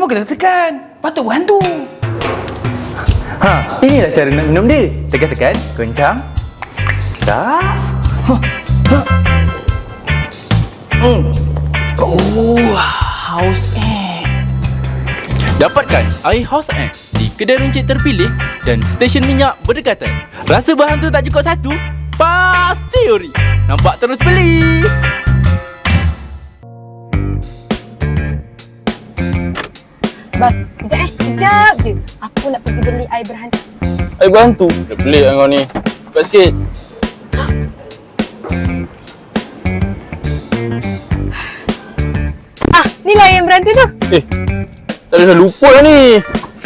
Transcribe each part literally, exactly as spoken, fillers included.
Kenapa kena tekan? Patut berhantu. Ha, inilah cara nak minum dia. Tekan-tekan, goncang. Tak. Hmm. Oh, House Ant. Dapatkan air House Ant di kedai runcit terpilih dan stesen minyak berdekatan. Rasa berhantu tak cukup satu? Pasti ori. Nampak terus beli. Bang, sekejap eh. Sekejap je. Aku nak pergi beli air berhantu. Air berhantu? Dah pelik lah kau ni. Cepat sikit. Ah, ni lah yang berhantu tu. Eh, tak ada dah lupa lah ni.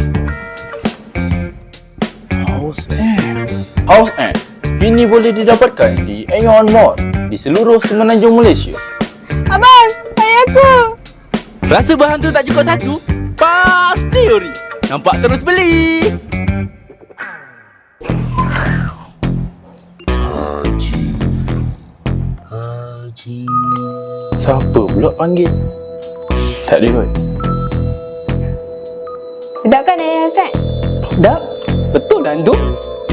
House Ant. House Ant kini boleh didapatkan di Aeon Mall di seluruh semenanjung Malaysia. Abang, air aku. Rasa berhantu tak cukup satu? Pasti ori. Nampak terus beli. Siapa pula panggil? Tak ada kot. Sedap kan air Hassan? Dah? Betul lah hantu?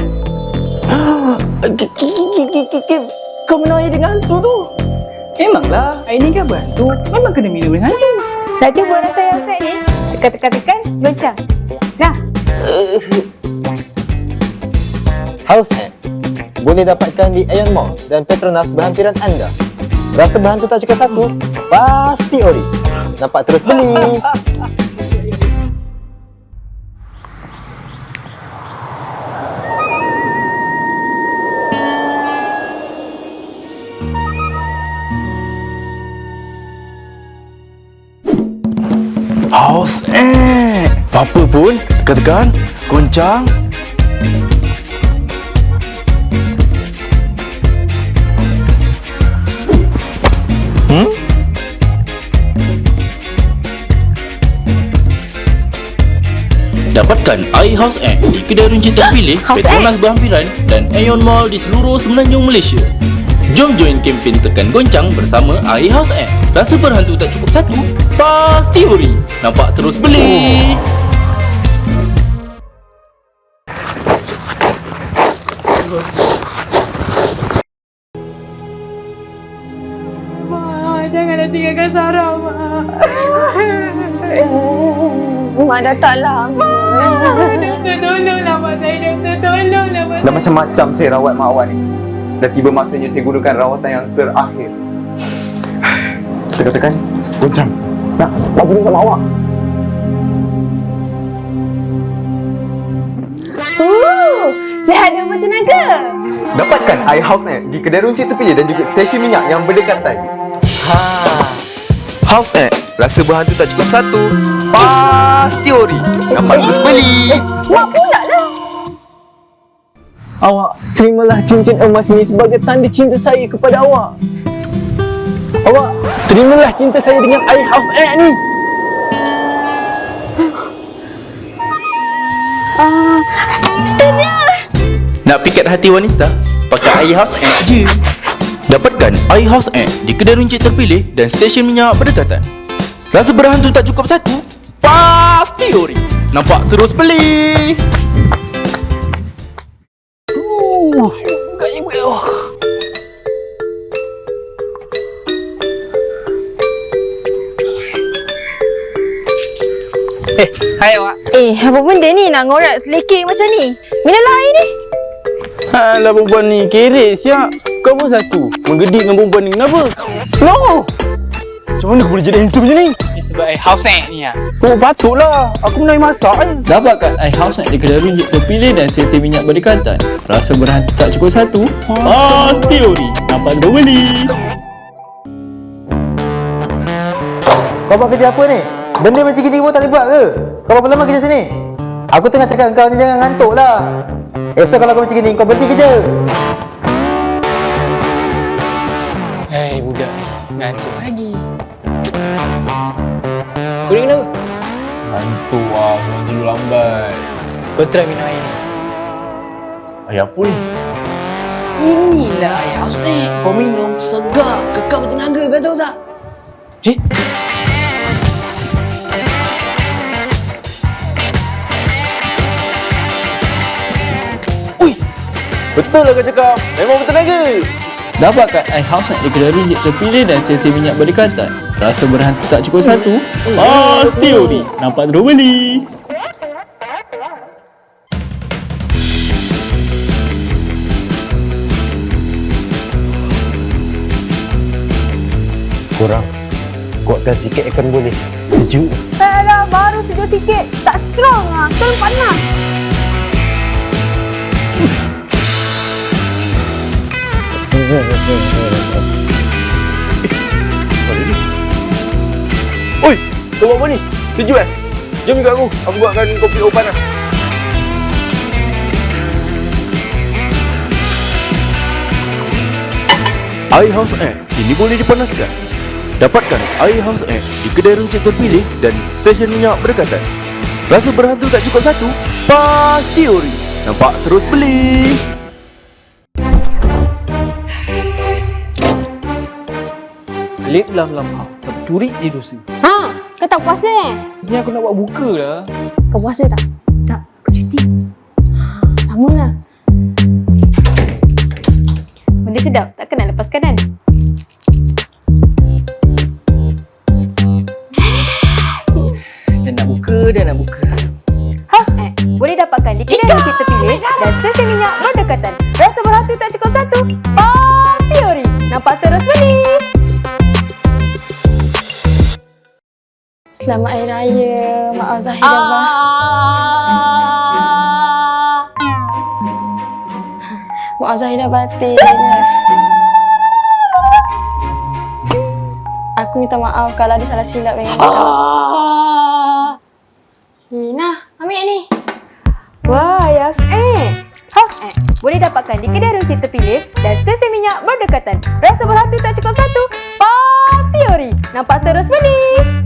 Kau minum air dengan hantu tu? Memanglah, air ni kan berhantu. Memang kena minum dengan hantu. Nak cuba rasa air Hassan ni? Tekan-tekan-tekan, goncang. Dah. House Ant boleh dapatkan di Aeon Mall dan Petronas berhampiran anda. Rasa berhantu tak cukup satu? Pasti ori. Nampak terus beli. House Ant. Apa pun, tekan-tekan, goncang. Hmm? Dapatkan air House Ant di kedai runcit terpilih, House Petronas berhampiran dan Aeon Mall di seluruh semenanjung Malaysia. Jom join kempen tekan goncang bersama air House Ant. Rasa berhantu tak cukup satu? Pasti ori. Nampak terus beli. Mak, janganlah tinggalkan Sarah, Mak. Mak dah tak lama. Doktor, tolonglah Mak saya. Doktor, tolonglah Mak. Dah macam-macam saya rawat mak awak ni. Dah tiba masanya saya gunakan rawatan yang terakhir. Tekan-tekan, goncang. Nak, lagi ni sama awak. Uh, sihat dan bertenaga. Dapatkan air House Ant di kedai runcit terpilih dan juga stesen minyak yang berdekatan. Ha. House Ant, rasa berhantu tak cukup satu? Pasti ori. Nampak terus beli. Mak pula lah. Awak terimalah cincin emas ini sebagai tanda cinta saya kepada awak. Awak terimalah cinta saya dengan air House Ant ni. Ah, setuju. Nak pikat hati wanita? Pakai air House Ant je. Dapatkan air House Ant di kedai runcit terpilih dan stesen minyak berdekatan. Rasa berhantu tak cukup satu? Pasti ori. Nampak terus beli. Uh, kaya gue. Oh. Eh, hai awak. Eh, apa benda ni nak ngorak selekeh macam ni? Minumlah air ni. Alah perempuan ni, kerek siap. Kau pun satu. Menggedik dengan perempuan ni, kenapa? No! Macam mana kau boleh jadi handsome macam ni? Ni sebab air House Ant ni lah. Oh, patutlah. Aku pun nak masak je. Dapatkan air House Ant di kedai runcit terpilih dan stesen minyak berdekatan. Rasa berhantu tak cukup satu? Pasti ori. Nampak terus beli. Kau buat kerja apa ni? Benda macam gini pun tak boleh buat ke? Kau berapa lama kerja sini? Aku tengah cakap kau ni jangan ngantuk lah. Esok kalau kau macam gini, kau berhenti kerja. Hei, budak ni. Ngantuk lagi. Kau ni kenapa? Ngantuk lah, memang tidur lambat. Kau try minum air ni. Air apa ni? Inilah air House Ant. Kau minum segar, kekal bertenaga, kau tahu tak? Eh? Betul lah kau cakap. Memang betul lagi. Dapatkan iHouse Net di kedai runcit terpilih dan stesen minyak berdekatan. Rasa berhantu tak cukup satu, pasti ori. Nampak terus beli. Kurang. Kuatkan sikit akan boleh. Sejuk. Tak lah, baru sejuk sikit. Tak strong lah. Terus panas. Oi, kau buat apa ni? Sejuk eh? Jom ikut aku. Aku buatkan kopi O panas. iHouse App kini boleh dipanaskan. Dapatkan iHouse App di kedai runcit terpilih dan stesen minyak berdekatan. Rasa berhantu tak cukup satu, pasti ori. Nampak terus beli. Lip lam-lam. Tapi curi dia dosa. Ha, kau tak puasa eh? Ni aku nak buat buka lah. Kau puasa tak? Tak, aku cuti. Sama lah. Benda sedap, takkan nak lepaskan kan? Dah nak buka, dah nak buka. House App boleh dapatkan di kedai runcit terpilih dan stesen minyak berdekatan. Rasa berhantu tak cukup satu, pasti ori. Nampak terus beli. Selamat Hari Raya, Mak Zahid dan Abah. Mak Zahid dah batin. Aku minta maaf kalau ada salah silap dengan kau. Ni, nah, ambil ni. Wah, House App. House App boleh dapatkan di kedai runcit terpilih dan stesen minyak berdekatan. Rasa berhantu tak cukup satu, pasti ori. Nampak terus beli.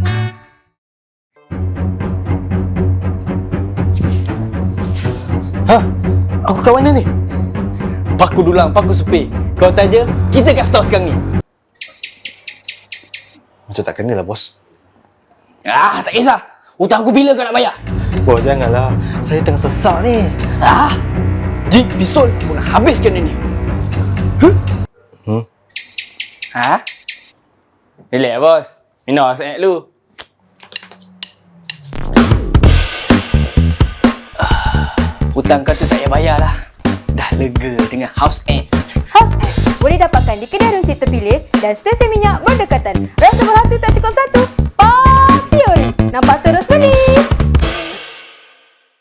Ha? Aku kat mana ni? Paku dulang, paku sepik. Kau tanya, kita kat store sekarang ni. Macam tak kena lah, bos. Ah, tak kisah. Hutang aku bila kau nak bayar? Bos, janganlah. Saya tengah sesak ni. Ah, Jik, pistol. Aku nak habiskan dia ni. Huh? Hmm? Ha? Relax bos. Minum House App dulu. Hutang kau tu tak payah bayar lah. Dah lega dengan House App. House App boleh dapatkan di kedai runcit terpilih dan stesen minyak berdekatan. Rasa berhantu tak cukup satu, pasti ori. Nampak terus